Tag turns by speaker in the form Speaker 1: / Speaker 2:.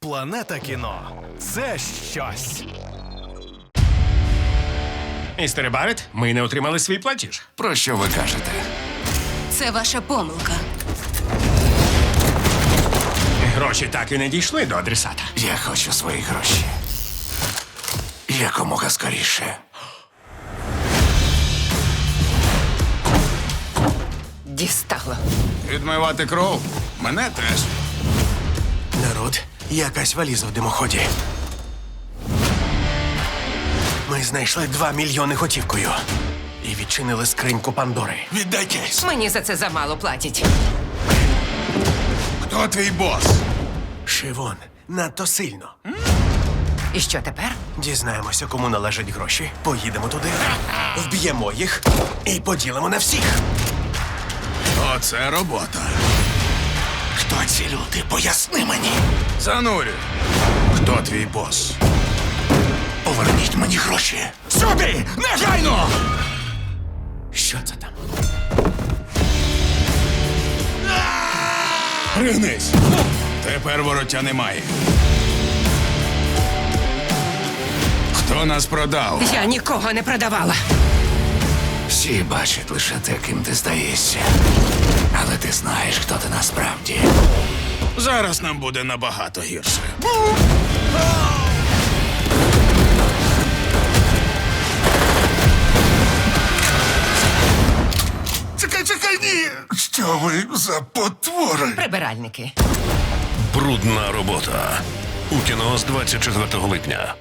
Speaker 1: Планета кіно – це щось.
Speaker 2: Містере Барретт, ми не отримали свій платіж.
Speaker 3: Про що ви кажете?
Speaker 4: Це ваша помилка.
Speaker 2: Гроші так і не дійшли до адресата.
Speaker 3: Я хочу свої гроші. Якомога скоріше.
Speaker 4: Дістало.
Speaker 3: Відмивати кров? Мене теж.
Speaker 1: Народ, якась валіза в димоході. Ми знайшли 2 мільйони готівкою. І відчинили скриньку Пандори.
Speaker 3: Віддайтесь.
Speaker 4: Мені за це замало платять.
Speaker 3: Хто твій бос?
Speaker 1: Шивон, надто сильно.
Speaker 4: І що тепер?
Speaker 1: Дізнаємося, кому належать гроші. Поїдемо туди, вб'ємо їх і поділимо на всіх.
Speaker 3: Оце робота. Хто ці люди? Поясни мені. Занурю. Хто твій бос? Поверніть мені гроші. Сюди! Негайно!
Speaker 1: Що це там?
Speaker 3: Пригнись. Тепер вороття немає. Хто нас продав?
Speaker 4: Я нікого не продавала.
Speaker 3: Всі бачать лише те, ким ти здаєшся. Але ти знаєш, хто ти насправді. Зараз нам буде набагато гірше. Чекай, ні! Що ви за потвори?
Speaker 4: Прибиральники.
Speaker 5: Брудна робота. У кіно з 24 липня.